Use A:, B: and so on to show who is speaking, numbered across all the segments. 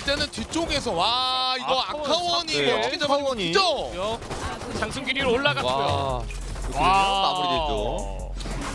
A: 일단은 뒤쪽에서 와 이거 아카원이
B: 네,
A: 어떻게
B: 아카원이.
A: 잡았죠?
C: 장승기 위로 올라갔고요.
B: 와, 마무리됐죠.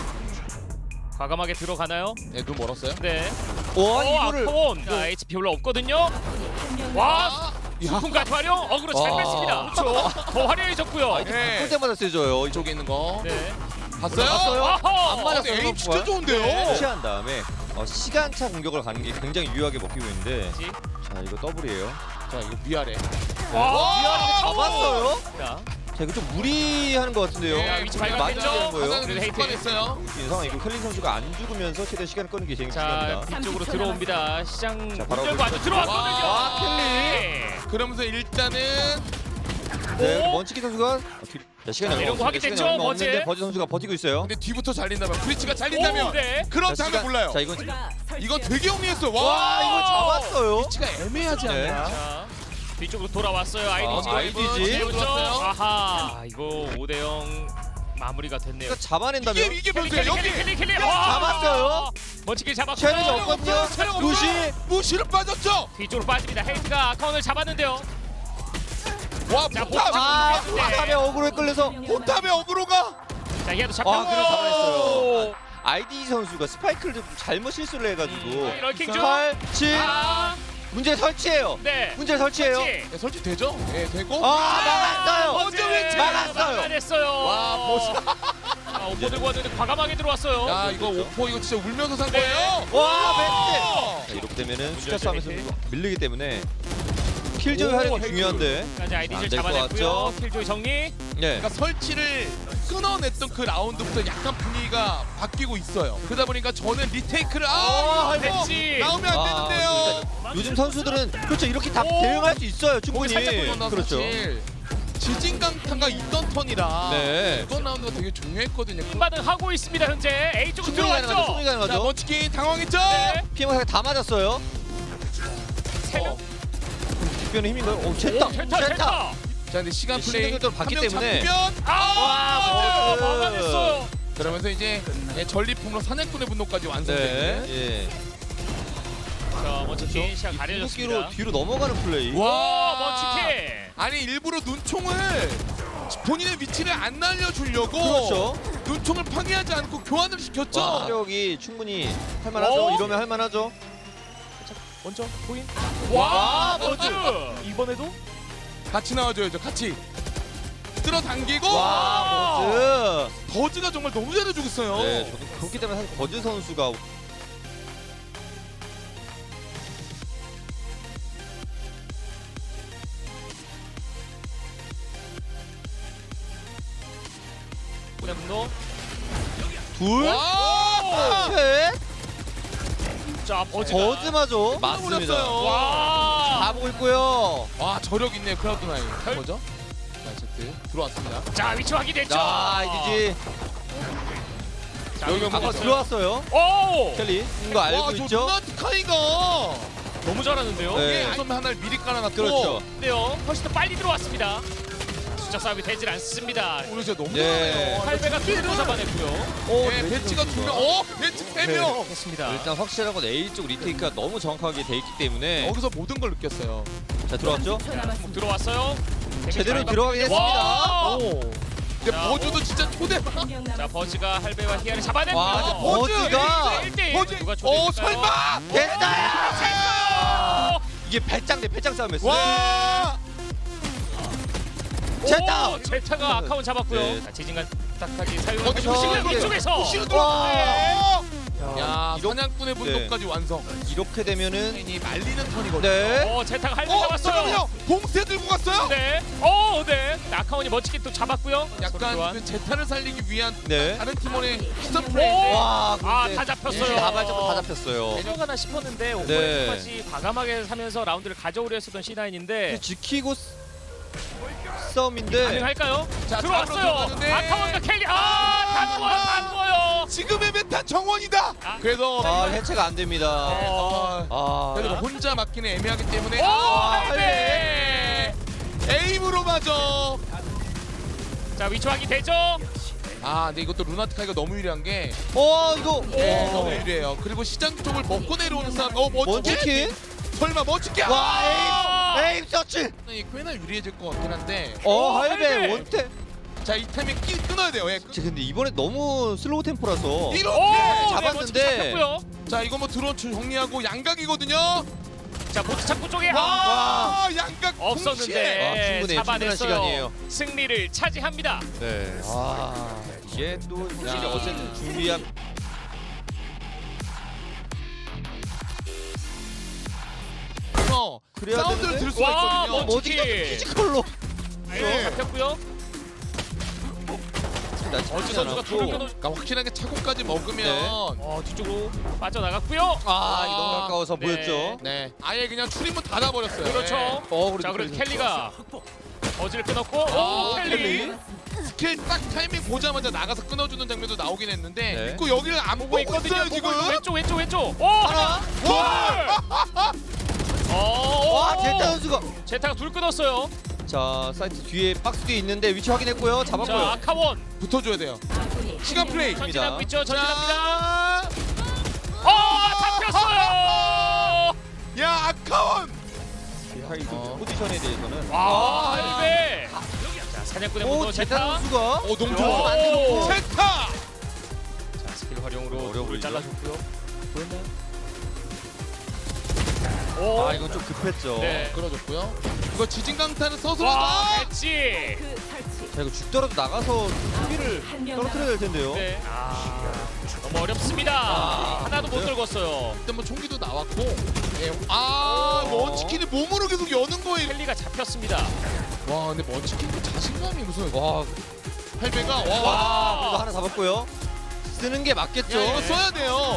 C: 과감하게 들어가나요?
A: 네, 눈 멀었어요.
C: 네.
B: 와, 이거를
C: 아카원. 자, HP 별로 없거든요. 와, 수풍까지 활용. 어그로 잘
B: 와.
C: 뺐습니다. 그렇죠. 더 화려해졌고요.
B: 아이디
A: 네.
B: 바꿀 때마다 세져요.
A: 이쪽에 있는 거
C: 네.
A: 봤어요?
B: 봤어요?
C: 아하!
B: 안 맞았어요.
A: 근데 에임 진짜
B: 선수가.
A: 좋은데요?
B: 취한 다음에 시간차 공격을 가는 게 굉장히 유효하게 먹히고 있는데
C: 그렇지.
B: 자 이거 더블이에요.
A: 자 이거 위아래.
C: 와,
B: 위아래 잡았어요.
C: 자,
B: 자 이거 좀 무리하는 것 같은데요.
A: 네,
C: 위치
B: 많이
C: 발견됐죠?
B: 되는 거예요.
A: 가장
C: 그래도 헤이트.
A: 습관했어요.
B: 이 상황 이거 켈린 선수가 안 죽으면서 최대 시간을 끄는 게 제일
C: 자,
B: 중요합니다.
C: 뒤쪽으로 들어옵니다. 시장 문
B: 자, 바로
C: 열고 아주 들어왔거든요.
A: 와,
B: 켈리.
C: 네.
A: 그러면서 일단은
B: 네,
C: 오!
B: 먼치키 선수가 자, 시간이
C: 이런 거
B: 얼마
C: 하게
B: 없습니다.
C: 됐죠,
B: 시간이 얼마
C: 버즈?
B: 없는데 버즈 선수가 버티고 있어요.
A: 근데 뒤부터 잘린다면 브리치가 잘린다면
C: 오, 네.
B: 자,
A: 그렇다면
B: 시간-
A: 몰라요.
B: 자 이건
A: 이거 되게 영리했어요.
B: 와
A: 와
B: 이거 잡았어요.
A: 브리치가 애매하지
B: 네.
A: 않나?
C: 자, 뒤쪽으로 돌아왔어요. 아이디지.
B: 아이디지.
C: 들어왔어요. 아하, 이거 5대0 마무리가 됐네요.
B: 그러니까 잡아낸다면
A: 이게 변수예요. 여기
C: 킬리.
B: 잡았어요.
C: 멋지게 잡았고.
B: 챌린지 없거든요.
A: 체력
B: 루시.
A: 무시를 빠졌죠.
C: 뒤쪽으로 빠집니다. 헤이트가 아카운을 잡았는데요.
A: 와
C: 자,
A: 포탑.
B: 아
C: 네.
B: 포탑에 어그로에 끌려서
A: 포탑의 어그로가.
C: 자, 얘도 잡혔고.
B: 아, 그래서 잡아냈어요. 아이디 선수가 스파이크를 좀 잘못 실수를 해가지고
C: 럴킹 중.
B: 8, 7
C: 아,
B: 문제 설치해요.
C: 네.
B: 문제 설치해요.
C: 그렇지.
A: 네, 설치 되죠? 예 되고.
B: 막았어요.
A: 먼저 왼쪽.
B: 막았어요.
C: 막아냈어요.
A: 와 멋있다.
C: 아, 오퍼 들고 왔는데 과감하게 들어왔어요.
A: 야 이거 오퍼 이거 진짜 울면서 산 거예요.
B: 와
A: 오!
B: 멘트. 이렇게 되면은 숫자
C: 문제
B: 싸움에서
C: 멘트.
B: 밀리기 때문에 킬조이 하는 게
A: 헤이트.
B: 중요한데.
C: 까지 아이디를
B: 안될것
C: 잡아냈고요.
B: 같죠?
C: 킬조이 정리.
B: 네.
A: 그러니까 설치를 끊어냈던 그 라운드부터 약간 분위기가 바뀌고 있어요. 그러다 보니까 저는 리테이크를
C: 됐지.
A: 나오면 안
B: 아,
A: 되는데요.
B: 요즘 선수들은 그렇죠 이렇게 다
C: 오!
B: 대응할 수 있어요 충분히.
A: 살짝 돌렸나
B: 그렇죠.
A: 사실 지진강타가 있던 턴이라
B: 네.
A: 이번 라운드가 되게 중요했거든요.
C: 반응하고 있습니다. 현재 A 쪽으로
B: 충분히 가능하죠.
C: 들어왔죠.
B: 충분히
A: 자
B: 가능하죠.
A: 먼치킨 당황했죠?
C: 네.
B: 피해망상 다 맞았어요.
C: 세 명.
B: 뒷변에 힘인가요? 오 쳤다.
C: 쳤다.
A: 자 근데 시간
B: 이
A: 플레이
B: 신경도 봤기
A: 한 명
B: 때문에.
A: 잡히면
C: 아,
B: 버즈.
C: 막아냈어요.
A: 그러면서 이제 전리품으로 사냥꾼의 분노까지
B: 네.
A: 완성되는.
B: 예.
C: 자, 먼치킨 시야
B: 이
C: 가려졌습니다.
B: 궁극기로 뒤로 넘어가는 플레이.
C: 와, 먼치킨.
A: 아니 일부러 눈총을 본인의 위치를 안 날려주려고
B: 그렇죠.
A: 눈총을 파괴하지 않고 교환을 시켰죠.
B: 와, 체력이 충분히 할만하죠.
C: 어?
B: 이러면 할만하죠.
A: 먼저 보인
C: 와,
A: 버즈.
C: 버즈. 이번에도
A: 같이 나와줘야죠. 같이 끌어당기고
B: 와, 버즈.
A: 버즈가 정말 너무 잘해주고 있어요.
B: 네, 저도 그렇기 때문에 사실 버즈 선수가
C: 분노.
B: 둘,
A: 와!
B: 셋,
C: 자, 버즈가.
B: 버즈마저 맞습니다.
A: 맞습니다.
C: 와.
B: 다 보고 있고요.
A: 와 저력 있네요. 크라우드 나인. 뭐죠? 자 제트 들어왔습니다.
C: 자, 위치 확인됐죠.
B: 자, 이디지
C: 자,
A: 여기
B: 아까
A: 먹었어요.
B: 들어왔어요.
C: 오!
B: 켈리 이거 알고
A: 와저
B: 있죠?
A: 누나티카이가
C: 너무 잘하는데요.
B: 네.
A: 예, 선배 하나를 미리 깔아놨고
B: 그렇죠.
C: 근데요, 훨씬 더 빨리 들어왔습니다. 숫자 싸움이 되질 않습니다.
A: 오늘 진짜 너무
B: 네.
A: 잘하네요.
C: 8배가 뒤로 잡아냈고요.
B: 오,
A: 네, 배치가 두 명. 배치 세
B: 네.
A: 명.
C: 됐습니다.
B: 일단 확실한 건 A 쪽 리테이크가 너무 정확하게 돼 있기 때문에
A: 여기서 모든 걸 느꼈어요.
B: 자 들어왔죠?
C: 들어왔어요.
B: 제대로 들어가긴
C: 와!
B: 했습니다.
A: 근데
C: 자,
A: 버즈도 진짜 초대박.
C: 자, 버즈가 할배와 히아를 잡아냈고.
B: 와, 근데
A: 버즈!
B: 버즈가
C: 1대1.
A: 버즈.
C: 누가 초대했을까요?
A: 설마.
B: 됐다! 이게 배짱 대 배짱 싸움이었어요.
A: 와.
B: 됐다!
C: 오, 제타가 아카운 잡았고요.
B: 네.
C: 자, 지진간 딱하게 사용하고
A: 어디서
C: 조심해요.
B: 이게
C: 이쪽에서.
A: 부시로
B: 와.
A: 들어왔네. 야
B: 이렇게,
A: 사냥꾼의 분노까지 완성.
B: 이렇게 되면은
A: 이 말리는 턴이거든요.
B: 네.
C: 제타가 할배 잡았어요.
A: 잠깐만요. 봉쇄 들고 갔어요.
C: 네. 네. 아카운이 멋지게 또 잡았고요. 서로
A: 약간
C: 교환.
A: 그 제타를 살리기 위한
B: 네.
A: 다른 팀원의 시선 플레이인데.
B: 와, 근데
C: 다 잡혔어요.
B: 다발적으로 다 잡혔어요.
C: 내려가나 싶었는데
B: 네.
C: 오버까지 과감하게 사면서 라운드를 가져오려 했었던 C9인데
B: 지키고 싸움인데
C: 가능할까요?
A: 자,
C: 들어왔어요.
A: 들어가는데.
C: 아카운과 켈리. 다 누워요. 다 누워요.
A: 지금의 메타 정원이다.
C: 아.
A: 그래서
B: 아 해체가 안 됩니다.
A: 그래도
B: 아,
A: 혼자 맞기는 애매하기 때문에
C: 오,
A: 할배 에임으로 맞아.
C: 자, 위치 확인 되죠?
A: 근데 이것도 루나티카이가 너무 유리한 게
B: 이거
A: 너무 유리해요. 그리고 시장 쪽을 먹고 내려오는 싸움. 멋지게.
B: 먼치킨
A: 설마 멋지게.
B: 와 에임 서치.
A: 꽤나 유리해질 것 같긴 한데.
B: 할배
C: 할배.
B: 원태.
A: 자, 이 타이밍 끊어야 돼요. 예.
B: 근데 이번에 너무 슬로우 템포라서
A: 이렇게.
B: 잡았는데.
C: 잡혔고요.
A: 자, 이거 뭐 드론 정리하고 양각이거든요.
C: 자 보트 창고 쪽에
A: 와, 양각
C: 없었는데
B: 충분히
C: 잡아냈어요.
B: 시간이에요.
C: 승리를 차지합니다.
B: 네. 이게 또 확실히
A: 야.
B: 어쨌든 준비한.
A: 동시에
B: 그래야
A: 사운드를
B: 되는데?
A: 들을 수가
C: 와,
A: 있거든요.
C: 멋지-
B: 어디가 피지컬로.
C: 네, 잡혔고요. 어즈 선수가 둘을 끊어.
A: 그러니까 확실하게 차고까지 먹으면
B: 네.
C: 뒤쪽으로 빠져나갔고요.
B: 이게 너무 가까워서
C: 네.
B: 보였죠.
A: 네, 아예 그냥 출입문 닫아버렸어요.
C: 그렇죠.
A: 네.
C: 자 그래도 켈리가 어즈를 끊었고
A: 아,
C: 켈리.
A: 스킬 딱 타이밍 보자마자 나가서 끊어주는 장면도 나오긴 했는데
B: 네.
A: 있고 여기를 안 보고 있어요 지금.
C: 왼쪽.
B: 하나. 와 제타 선수가.
C: 제타가 둘 끊었어요.
B: 자 사이트 뒤에 박스 뒤에 있는데 위치 확인했고요.
C: 자
B: 잡았고요.
C: 아카원
A: 붙어줘야 돼요. 시간 플레이.
C: 전진하고 있죠. 전진합니다.
A: 자,
C: 잡혔어요.
A: 야 아카원.
B: 하이드 포지션에 대해서는.
C: 와 할배. 자 사냥꾼의
B: 오
C: 문도
B: 제타
C: 제타.
B: 선수가.
A: 너무
C: 오.
A: 좋아.
B: 만들었고.
A: 세타.
C: 자 스킬 활용으로
B: 어려워
C: 돌을
B: 보이죠?
C: 잘라줬고요.
B: 보였나요?
C: 오.
B: 이건 좀 급했죠.
C: 네.
A: 끌어줬고요. 이거 지진강타는 서서.
C: 와 배치.
B: 자 이거 죽더라도 나가서 수비를 떨어뜨려야 될 텐데요.
C: 네. 너무 어렵습니다. 하나도 못
B: 네.
C: 들었어요.
A: 그때 뭐 총기도 나왔고. 예. 먼치킨이 몸으로 계속 여는 거예요.
C: 켈리가 잡혔습니다.
A: 와, 근데 먼치킨 자신감이 무슨.
B: 와,
A: 할배가
B: 그래도
A: 와.
B: 하나 잡았고요. 쓰는 게 맞겠죠.
A: 야, 이거 써야 돼요.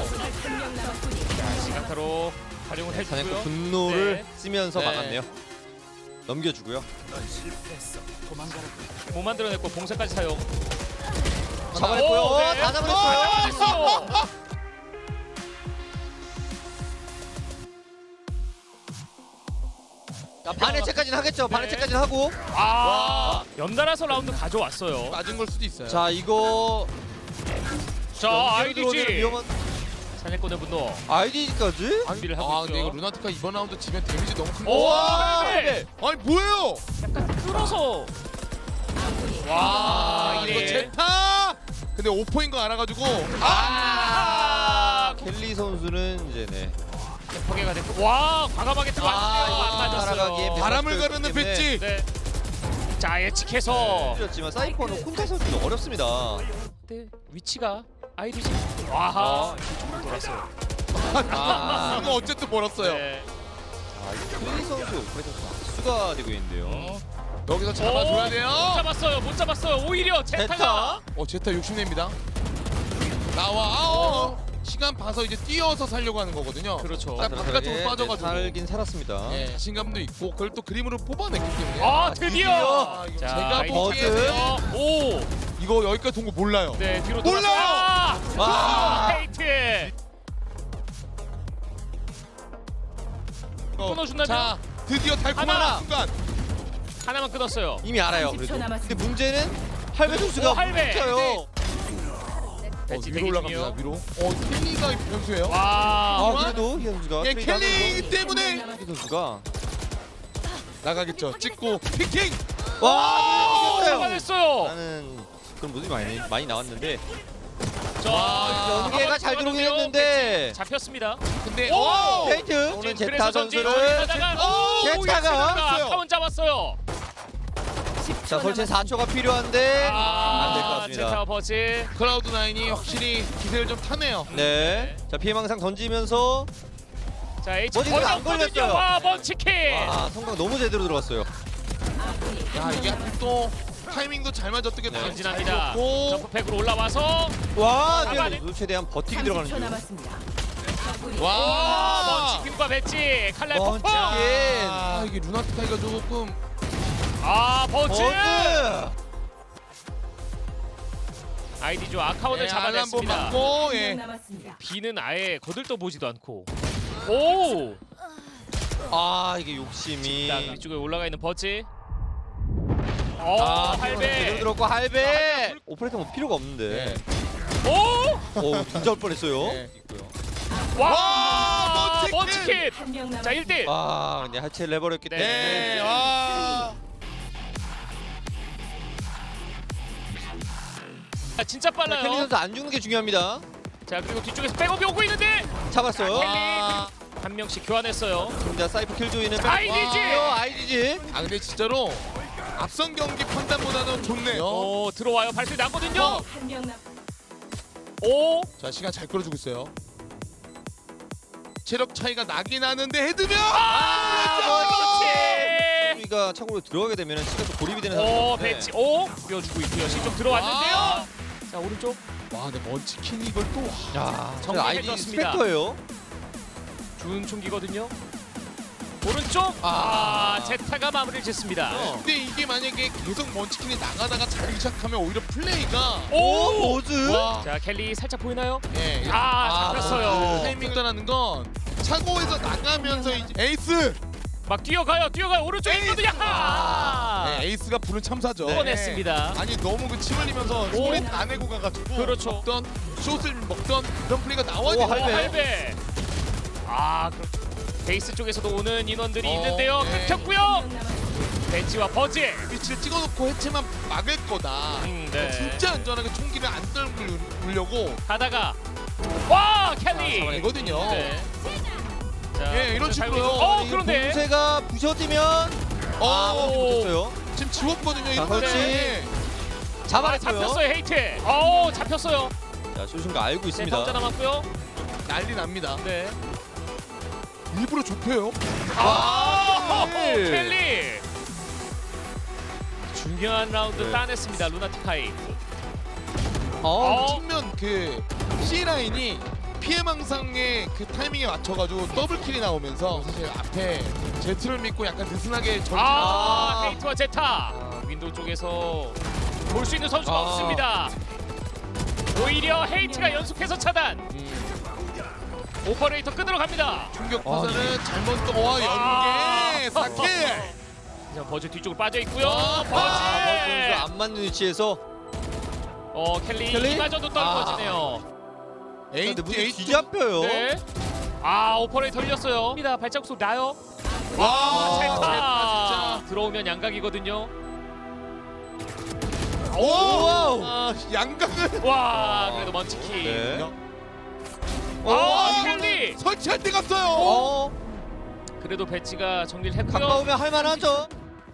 C: 시간타로 활용을
B: 사냥꾼
C: 해주고요.
B: 분노를
C: 네.
B: 쓰면서
A: 네.
B: 막았네요. 넘겨주고요.
C: 못 만들어냈고 봉쇄까지 사용.
B: 잡아냈고요.
C: 오, 네.
B: 다 잡아냈어요.
C: 잡아냈어.
B: 자, 반해체까지는 하겠죠.
C: 네.
B: 반해체까지는 하고.
C: 연달아서 라운드 가져왔어요.
A: 맞은 걸 수도 있어요.
B: 자, 이거
C: 자
B: 연결 들어오면
C: 아이디지
B: 위험한
C: 사냥꾼의 분노.
B: 아이디까지?
C: 준비를 하고
A: 근데 이거
C: 있죠.
A: 루나티카 이번 라운드 지면 데미지 너무 큰
C: 오,
A: 거.
C: 할배!
A: 아니 뭐예요?
C: 약간 끌어서. 와
A: 이거
C: 이래.
A: 제타. 근데 5포인 거 알아가지고.
B: 켈리 선수는 이제 네.
C: 포개가 됐고. 와 과감하게 들어왔는데요. 안
B: 따라가기에
C: 맞았어요.
A: 바람을 가르는
B: 때문에.
A: 배지.
C: 네. 자 예측해서.
B: 틀렸지만 사이퍼는 혼자 서기도 어렵습니다.
C: 네, 위치가 아이디지. 와하. 이쪽으로 돌았어요.
A: 이거 어쨌든 벌었어요.
C: 네.
B: 자, 켈리 선수의 오퍼레이터 박수가 되고 있는데요.
A: 여기서 잡아줘야
C: 못
A: 돼요.
C: 잡았어요. 못 잡았어요. 오히려 제타가.
A: 제타 욕심냅니다. 나와. 시간 봐서 이제 뛰어서 살려고 하는 거거든요.
C: 그렇죠.
A: 딱 바깥쪽으로 빠져가지고.
B: 살긴 살았습니다.
A: 예, 자신감도 있고 그걸 또 그림으로 뽑아냈기 때문에.
C: 아 드디어.
A: 아, 이거
C: 자,
A: 제가
C: 아이디
A: 버즈.
C: 찾겠어요. 오.
A: 이거 여기까지 돈 거 몰라요.
C: 네 뒤로
A: 몰라요!
C: 돌아서.
B: 와.
C: 페이트. 끊어준다면?
A: 자, 드디어 달콤한
C: 하나.
A: 순간.
C: 하나만 끊었어요.
B: 이미 알아요.
D: 30초
B: 그래도.
D: 남았습니다.
B: 근데 문제는 할배 선수가
C: 오, 할배.
B: 뭉쳐요.
C: 배치
A: 위로
C: 대기
A: 올라갑니다.
C: 중이요.
A: 위로. 켈리가 변수예요.
C: 와.
B: 아 그래도 희 선수가
A: 예,
B: 트레이드
A: 켈리 때문에
B: 하면서 희 선수가
A: 나가겠죠. 찍고 피킹.
B: 와 이겼어요.
C: 잡아냈어요.
B: 나는 그런 모습이 많이 나왔는데
C: 자,
B: 연계가 잘 들어오긴 했는데
C: 잡혔습니다.
A: 근데
C: 오!
B: 페이트 오늘 제타
C: 그래서 전진
B: 선수를
A: 제타가
C: 카운 잡았어요.
B: 자 설치 4초가 필요한데 안 될 것 같습니다.
C: 제타 버즈.
A: 클라우드 9이 확실히 기세를 좀 타네요.
B: 네. 자 피해망상 던지면서
C: 자 H
B: 머지가 안 걸렸어요.
C: 와 먼치킨.
B: 와 성광 너무 제대로 들어갔어요.
A: 야, 이게 하필 또 타이밍도 잘 맞았던 게
C: 전진합니다.
A: 고
C: 점프팩으로 올라와서
B: 와
C: 잡아내-
B: 네. 최대한 버티기 들어가는
D: 30초
B: 중.
D: 남았습니다.
A: 와,
C: 먼치킨과 배치 칼날
B: 먼치킨.
C: 폭풍.
A: 아, 이게 루나티카이가 조금
C: 버즈.
B: 버즈.
C: 아이디조 아카운을
A: 예, 알람 번
C: 잡아냈습니다.
A: 맞고
D: 한명
A: 예.
D: 남았습니다.
C: B는 아예 거들떠 보지도 않고. 오.
B: 아 이게 욕심이.
C: 자 위쪽에 올라가 있는 버즈.
B: 제대로
C: 할배.
B: 들었고 할배. 오퍼레이터 뭐 필요가 없는데.
A: 예.
C: 오.
B: 오 진짜 올 뻔했어요.
A: 예.
B: 있고요.
C: 와. 먼치킨. 자 1대1.
B: 와, 근데 하체를 내버렸기 때문에.
A: 네. 와.
C: 진짜
B: 켈리
C: 빨라요.
B: 선수 안 죽는 게 중요합니다.
C: 자 그리고 뒤쪽에서 백업이 오고 있는데
B: 잡았어요.
C: 켈리
A: 와.
C: 한 명씩 교환했어요.
B: 자, 사이퍼 킬조이는
C: 아이디지!
B: 아이디지.
A: 아 근데 진짜로 앞선 경기 판단보다는 좋네요.
C: 오 들어와요. 발소리 나거든요.
A: 어.
C: 오.
A: 자 시간 잘 끌어주고 있어요. 체력 차이가 나긴 하는데 헤드면
C: 그렇지.
B: 우리가 차고로 들어가게 되면 시간 또 고립이 되는
C: 오
B: 상황인데.
C: 배치. 오 뿌려주고 있고요. 신좀 들어왔는데요. 자 오른쪽.
A: 와 근데 먼치킨 이걸 또
B: 야,
C: 정리해
B: 아이디
C: 줬습니다.
B: 스펙터예요.
C: 준 총기거든요. 오른쪽. 아 제타가 마무리를 짓습니다.
A: 근데 이게 만약에 계속 먼치킨이 나가다가 자기 시작하면 오히려 플레이가
C: 오.
B: 모즈.
A: 와.
C: 자 켈리 살짝 보이나요?
A: 예.
C: 아 잡혔어요.
A: 타이밍 떠나는 건 차고에서 나가면서 이제 에이스.
C: 막 뛰어가요. 오른쪽에 있거든요.
A: 네, 에이스가 부른 참사죠.
C: 뻔했습니다.
A: 아니 너무 그 침 흘리면서 소리 다 내고 가가지고
C: 그렇죠.
A: 먹던 숏을 먹던 그런 플레이가 나와야
B: 오,
A: 되는
B: 할배.
C: 할배. 아 그렇죠. 베이스 쪽에서도 오는 인원들이 있는데요.
A: 네.
C: 끊겼고요. 벤치와 버즈.
A: 위치를 찍어놓고 해체만 막을 거다.
C: 네.
A: 진짜 안전하게 총기를 안 떨구려고
C: 하다가 와 켈리.
A: 되거든요.
C: 네. 자,
A: 예, 이런
C: 잘
A: 식으로요.
C: 보이고.
B: 이
C: 그런데
B: 봉쇄가 부셔지면 못했어요.
A: 지금 지웠거든요.
B: 자,
A: 이거
B: 그렇지.
A: 네.
B: 잡아냈어요.
C: 잡혔어요 헤이트. 잡혔어요.
B: 자, 쇼신가 알고
C: 네,
B: 있습니다.
C: 혼자 남았고요.
A: 난리 납니다.
C: 네.
A: 일부러 좁혀요.
B: 네.
C: 켈리. 중요한 라운드
B: 네.
C: 따냈습니다. 루나티카이.
A: 측면 그 C 라인이 피해망상의 그 타이밍에 맞춰가지고 더블킬이 나오면서 사실 앞에 제트를 믿고 약간 느슨하게
C: 헤이트와 제타. 윈도우 쪽에서 볼 수 있는 선수가 없습니다. 오히려 헤이트가 연속해서 차단. 오퍼레이터 끊으러 갑니다.
A: 충격 파산은 잘못 떠와 연계 사킬.
C: 자, 버즈 뒤쪽으로 빠져 있고요.
B: 선수
C: 버즈.
B: 안 맞는 위치에서
C: 켈리
B: 켈리?
C: 이마저도 떨어지네요.
B: 근데 문제
A: 에이트
B: 뒤잡혀요.
C: 네. 오퍼레이터 흘렸어요. 발자국 소리 나요.
A: 와
C: 제타.
A: 제타
C: 들어오면 양각이거든요.
A: 진짜.
B: 와우.
A: 양각을.
C: 와 그래도 먼치킨.
B: 네.
C: 켈리.
A: 설치할 때 갔어요.
C: 그래도 배치가 정리를 했고요.
B: 가까우면 할만하죠.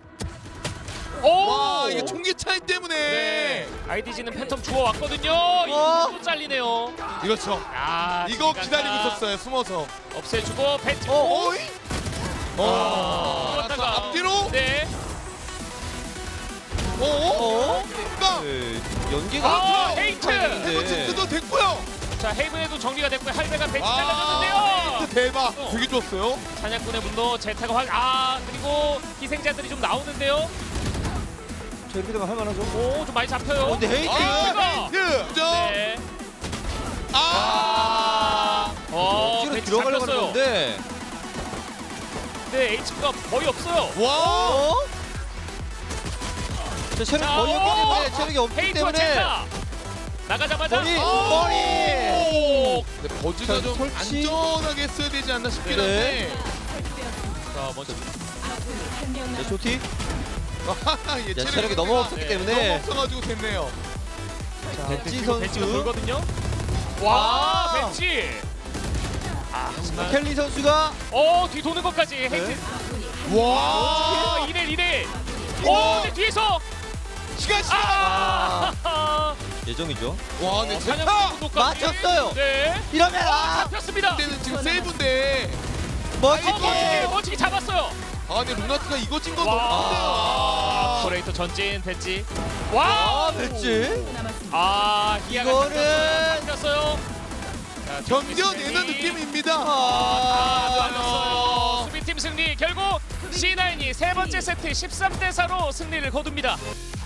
A: 와 이게 총기 차이 때문에.
C: 네. IDG는 팬텀 주워 왔거든요. 이거 잘리네요.
A: 이렇죠. 이거 기다리고 있었어요. 숨어서.
C: 없애주고 배치.
A: 어이?
C: 들어갔다가.
A: 앞뒤로.
C: 네.
A: 그러니까
B: 네. 연기가
C: 헤이트.
A: 헤버치스도 됐고요.
C: 자 헤이븐에도 정리가 됐고요. 할배가 배치
A: 헤이트
C: 잘라줬는데요.
A: 대박. 되게 좋았어요.
C: 사냥꾼의 분노 제타가 그리고 희생자들이 좀 나오는데요.
B: 저 이렇게 되면 할만하죠.
C: 오 좀 많이 잡혀요.
B: 근데 헤이트.
A: 헤이트. 그죠?
C: 네.
B: 억지로
C: 배치
B: 들어가려고
C: 잡혔어요.
B: 하는데.
C: 근데 HP가 거의 없어요.
A: 와.
B: 저 체력이
C: 자,
B: 거의 없기 때문에 체력이 없기
C: 헤이트와
B: 때문에
C: 제타 나가자마자
B: 머리.
C: 오!
A: 근데 버즈가 좀
B: 설치.
A: 안전하게 했어야 되지 않나 싶긴
B: 네.
A: 한데.
C: 자 먼저
B: 네, 쇼티.
A: 얘
B: 야, 체력이 너무 없었기
C: 네.
B: 때문에
A: 너무 없어가지고 됐네요.
B: 배지
C: 그리고 배치가
B: 선수.
C: 돌거든요. 와
B: 아.
C: 배치. 하지만
B: 켈리 선수가
C: 뒤 도는 것까지 헤이트.
A: 와.
C: 1대1. 근데 뒤에서
A: 시간.
B: 예정이죠.
A: 와, 근데
C: 사냥
A: 제타.
C: 분노까지.
B: 맞췄어요.
C: 네.
B: 이러면
C: 잡혔습니다.
A: 그때는 지금 세이브인데.
C: 멋지게 잡았어요.
A: 근데 루나티가 이거 찐 건
C: 와.
A: 너무 큰데요.
C: 오퍼레이터 전진 배치.
B: 아, 배지.
C: 희야가
B: 이거는
C: 잡혔어요.
A: 견뎌내는 느낌입니다.
C: 맞았어요. 수비팀 승리. 결국 C9이 세 번째 세트 13대 4로 승리를 거둡니다.